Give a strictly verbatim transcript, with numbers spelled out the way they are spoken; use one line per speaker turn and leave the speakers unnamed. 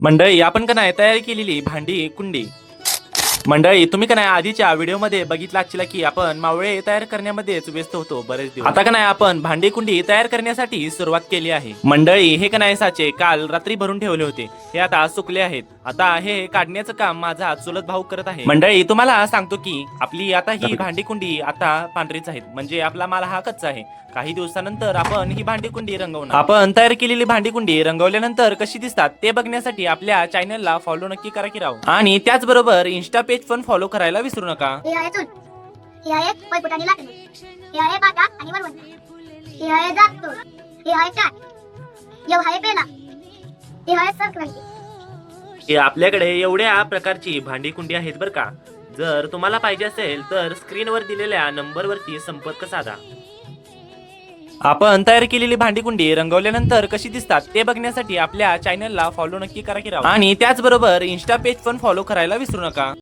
मंडळी आपण का नाही तयार केलेली भांडी कुंडी। मंडळी तुम्ही का नाही आधीच्या व्हिडिओमध्ये बघितला असला की आपण मावळे तयार करण्यामध्येच व्यस्त होतो बरेच दिवस। आता का नाही आपण भांडी कुंडी तयार करण्यासाठी सुरुवात केली आहे। मंडळी हे का नाही साचे काल रात्री भरून ठेवले होते, हे आता सुकले आहेत। आता हे काढण्याचं काम माझा चुलत भाऊ करत आहे। मंडळी तुम्हाला सांगतो की आपली आता ही भांडी कुंडी आता पांढरीच आहेत, म्हणजे आपला माल हा कच्चा आहे। काही दिवसानंतर आपण ही भांडी कुंडी रंगवणार। आपण तयार केलेली भांडी कुंडी रंगवल्यानंतर कशी दिसतात ते बघण्यासाठी आपल्या चॅनलला फॉलो नक्की करा की राव, आणि त्याचबरोबर इन्स्टा पेज पण फॉलो करायला विसरू नका।
हे आहे चूल, हे आहे पळपुटाने लाटणे, हे आहे बाटा आणि वरवंटा, हे आहे जातो, हे आहे चाट, हे आहे पेला, हे आहे संक्रांती।
हे आपल्याकडे एवढ्या प्रकारची भांडी कुंडी आहेत बरं का। जर तुम्हाला पाहिजे असेल तर स्क्रीनवर दिलेल्या नंबरवरती संपर्क साधा। आपण तयार केलेली भांडी कुंडी रंगवल्यानंतर कशी दिसतात ते बघण्यासाठी आपल्या चॅनलला फॉलो नक्की करा की राव, आणि त्याचबरोबर इन्स्टा पेज पण फॉलो करायला विसरू नका।